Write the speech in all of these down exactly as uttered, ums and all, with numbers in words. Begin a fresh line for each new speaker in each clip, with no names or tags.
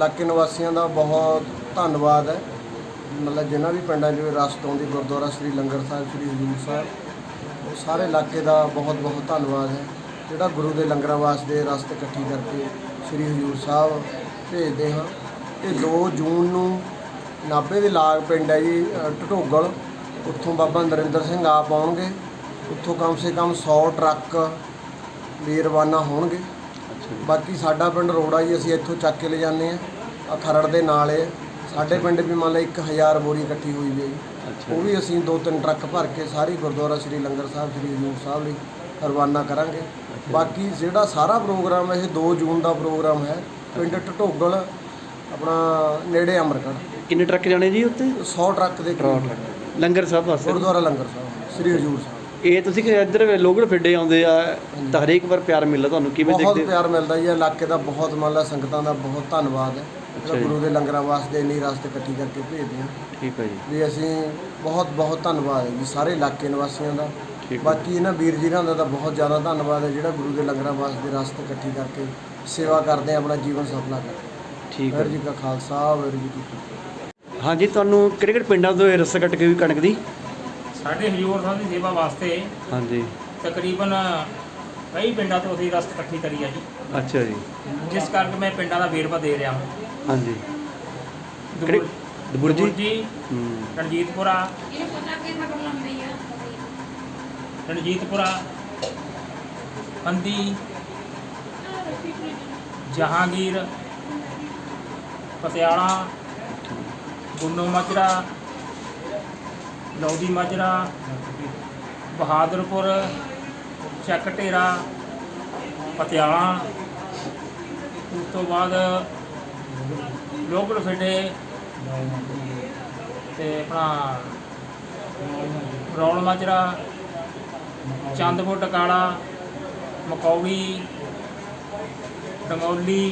ਇਲਾਕੇ ਨਿਵਾਸੀਆਂ ਦਾ ਬਹੁਤ ਧੰਨਵਾਦ ਹੈ। ਮਤਲਬ ਜਿਨ੍ਹਾਂ ਵੀ ਪਿੰਡਾਂ 'ਚ ਰਸਤ ਆਉਂਦੀ ਗੁਰਦੁਆਰਾ ਸ੍ਰੀ ਲੰਗਰ ਸਾਹਿਬ, ਸ੍ਰੀ ਹਜ਼ੂਰ ਸਾਹਿਬ, ਉਹ ਸਾਰੇ ਇਲਾਕੇ ਦਾ ਬਹੁਤ ਬਹੁਤ ਧੰਨਵਾਦ ਹੈ ਜਿਹੜਾ ਗੁਰੂ ਦੇ ਲੰਗਰਾਂ ਵਾਸਤੇ ਰਸਤ ਇਕੱਠੀ ਕਰਕੇ ਸ੍ਰੀ ਹਜ਼ੂਰ ਸਾਹਿਬ ਭੇਜਦੇ ਹਾਂ। ਇਹ ਦੋ ਜੂਨ ਨੂੰ ਨਾਭੇ ਦੇ ਲਾਗ ਪਿੰਡ ਹੈ ਜੀ ਢਟੋਗਲ, ਉੱਥੋਂ ਬਾਬਾ ਨਰਿੰਦਰ ਸਿੰਘ ਆਪ ਆਉਣਗੇ। ਉੱਥੋਂ ਕਮ ਸੇ ਕਮ ਸੌ ਟਰੱਕ ਵੀ ਰਵਾਨਾ ਹੋਣਗੇ। ਬਾਕੀ ਸਾਡਾ ਪਿੰਡ ਰੋੜਾ ਜੀ, ਅਸੀਂ ਇੱਥੋਂ ਚੱਕ ਕੇ ਲੈ ਜਾਂਦੇ ਹਾਂ, ਆ ਖਰੜ ਦੇ ਨਾਲ ਹੈ ਸਾਡੇ ਪਿੰਡ ਵੀ। ਮੰਨ ਲਓ ਇੱਕ ਹਜ਼ਾਰ ਬੋਰੀ ਇਕੱਠੀ ਹੋਈ ਵੀ ਹੈ ਜੀ, ਉਹ ਵੀ ਅਸੀਂ ਦੋ ਤਿੰਨ ਟਰੱਕ ਭਰ ਕੇ ਸਾਰੀ ਗੁਰਦੁਆਰਾ ਸ੍ਰੀ ਲੰਗਰ ਸਾਹਿਬ, ਸ੍ਰੀ ਹਜ਼ੂਰ ਸਾਹਿਬ ਲਈ ਰਵਾਨਾ ਕਰਾਂਗੇ। ਬਾਕੀ ਜਿਹੜਾ ਸਾਰਾ ਪ੍ਰੋਗਰਾਮ ਇਹ ਦੋ ਜੂਨ ਦਾ ਪ੍ਰੋਗਰਾਮ ਹੈ ਪਿੰਡ ਢਟੋਗਲ ਆਪਣਾ ਨੇੜੇ ਅਮਰਗੜ੍ਹ।
ਕਿੰਨੇ ਟਰੱਕ ਜਾਣੇ ਜੀ ਉੱਤੇ?
ਸੌ ਟਰੱਕ ਦੇ
ਲੰਗਰ ਸਾਹਿਬ ਵਾਸਤੇ,
ਗੁਰਦੁਆਰਾ ਲੰਗਰ ਸਾਹਿਬ ਸ੍ਰੀ ਹਜ਼ੂਰ ਸਾਹਿਬ।
ਇਹ ਤੁਸੀਂ ਕਿ ਇੱਧਰ ਲੋਕਲ ਫਿੱਡੇ ਆਉਂਦੇ ਆ ਤਾਂ ਹਰੇਕ ਵਾਰ ਪਿਆਰ ਮਿਲਦਾ ਤੁਹਾਨੂੰ, ਕਿਵੇਂ ਦੇਖਦੇ?
ਬਹੁਤ ਪਿਆਰ ਮਿਲਦਾ ਜੀ, ਇਲਾਕੇ ਦਾ ਬਹੁਤ ਮੰਨ ਲਾ ਸੰਗਤਾਂ ਦਾ ਬਹੁਤ ਧੰਨਵਾਦ ਹੈ ਗੁਰੂ ਦੇ ਲੰਗਰਾਂ ਵਾਸਤੇ ਇੰਨੀ ਰਸਤ ਇਕੱਠੀ ਕਰਕੇ ਭੇਜਦੇ ਹਾਂ।
ਠੀਕ ਹੈ ਜੀ,
ਵੀ ਅਸੀਂ ਬਹੁਤ ਬਹੁਤ ਧੰਨਵਾਦ ਹੈ ਜੀ ਸਾਰੇ ਇਲਾਕੇ ਨਿਵਾਸੀਆਂ ਦਾ। ਬਾਕੀ ਇਹਨਾਂ ਵੀਰ ਜੀਰਾਂ ਦਾ ਤਾਂ ਬਹੁਤ ਜ਼ਿਆਦਾ ਧੰਨਵਾਦ ਹੈ ਜਿਹੜਾ ਗੁਰੂ ਦੇ ਲੰਗਰਾਂ ਵਾਸਤੇ ਰਸਤ ਇਕੱਠੀ ਕਰਕੇ ਸੇਵਾ ਕਰਦੇ, ਆਪਣਾ ਜੀਵਨ ਸਫਲਾ ਕਰਦੇ।
ਠੀਕ ਹੈ
ਵਾਹਿਗੁਰੂ ਜੀ ਕਾ ਖਾਲਸਾ, ਵਾਹਿਗੁਰੂ ਜੀ ਕੀ ਫਤਿਹ।
ਹਾਂਜੀ, ਤੁਹਾਨੂੰ ਕਿਹੜੇ ਕਿਹੜੇ ਪਿੰਡਾਂ ਤੋਂ ਇਹ ਰਸਤਾ ਕੱਟ ਕੇ ਵੀ ਕਣਕ ਦੀ?
ਸਾਡੇ ਹਜ਼ੂਰ ਸਾਹਿਬ ਦੀ ਸੇਵਾ ਵਾਸਤੇ
ਹਾਂਜੀ,
ਤਕਰੀਬਨ ਕਈ ਪਿੰਡਾਂ ਤੋਂ ਅਸੀਂ ਰਸਤ ਇਕੱਠੀ ਕਰੀ ਹੈ ਜੀ।
ਅੱਛਾ ਜੀ,
ਜਿਸ ਕਰਕੇ ਮੈਂ ਪਿੰਡਾਂ ਦਾ ਵੇਰਵਾ ਦੇ ਰਿਹਾ ਹਾਂ।
ਹਾਂਜੀ,
ਦਬੁਰ-
ਦਬੁਰਜੀ
ਦਬੁਰਜੀ,
ਹੂੰ,
ਰਣਜੀਤਪੁਰਾ, ਰਣਜੀਤਪੁਰਾ, ਪੰਦੀ, ਜਹਾਂਗੀਰ, ਪਟਿਆਲਾ, ਗੁੰਨੋ ਮਾਜਰਾ, ਲੌਦੀ ਮਾਜਰਾ, ਬਹਾਦਰਪੁਰ, ਚੱਕ ਢੇਰਾ, ਪਟਿਆਲਾ। ਉਸ ਤੋਂ ਬਾਅਦ ਲੋਕਲ ਫਿੱਡੇ ਤੇ ਆਪਣਾ ਰੌਲ ਮਾਜਰਾ, ਚੰਦਪੁਰ ਟਕਾਲਾ, ਮਕੌੜੀ, ਡੰਗੌਲੀ,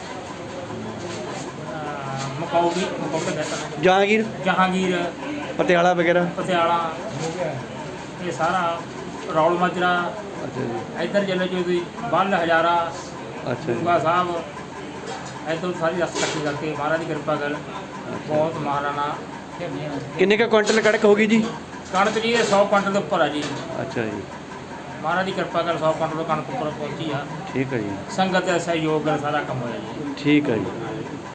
ਮਕੌੜੀ ਮਕੌੜਾ ਦੱਸਣਾ
ਜਹਾਂਗੀਰ,
ਜਹਾਂਗੀਰ,
ਪਟਿਆਲਾ ਵਗੈਰਾ।
ਪਟਿਆਲਾ, ਇਹ ਸਾਰਾ ਰੌਲ ਮਾਜਰਾ।
ਅੱਛਾ ਜੀ,
ਇੱਧਰ ਚਲੇ ਜੋ ਤੁਸੀਂ ਬੱਲ ਹਜ਼ਾਰਾ,
ਅੱਛਾ ਜੀ,
ਗੁੰਗਾ ਸਾਹਿਬ, ਇੱਧਰ ਸਾਰੀ ਰਸਤ ਇਕੱਠੀ ਕਰਕੇ ਮਹਾਰਾਜ ਦੀ ਕਿਰਪਾ ਕਰ ਬਹੁਤ ਮਹਾਰਾਣਾ।
ਕਿੰਨੇ ਕੁ ਕੁਆਂਟਲ ਕਣਕ ਹੋ ਗਈ ਜੀ?
ਕਣਕ ਜੀ ਇਹ ਸੌ ਕੁਆਂਟਲ ਦੇ ਉੱਪਰ ਆ ਜੀ।
ਅੱਛਾ ਜੀ,
ਮਹਾਰਾਜ ਦੀ ਕਿਰਪਾ ਕਰ ਸੌ ਕੁਆਂਟਲ ਕਣਕ ਉੱਪਰ ਪਹੁੰਚੀ ਆ।
ਠੀਕ ਹੈ ਜੀ,
ਸੰਗਤ ਦਾ ਸਹਿਯੋਗ ਨਾਲ ਸਾਰਾ ਕੰਮ ਹੋਇਆ ਜੀ।
ਠੀਕ ਹੈ ਜੀ।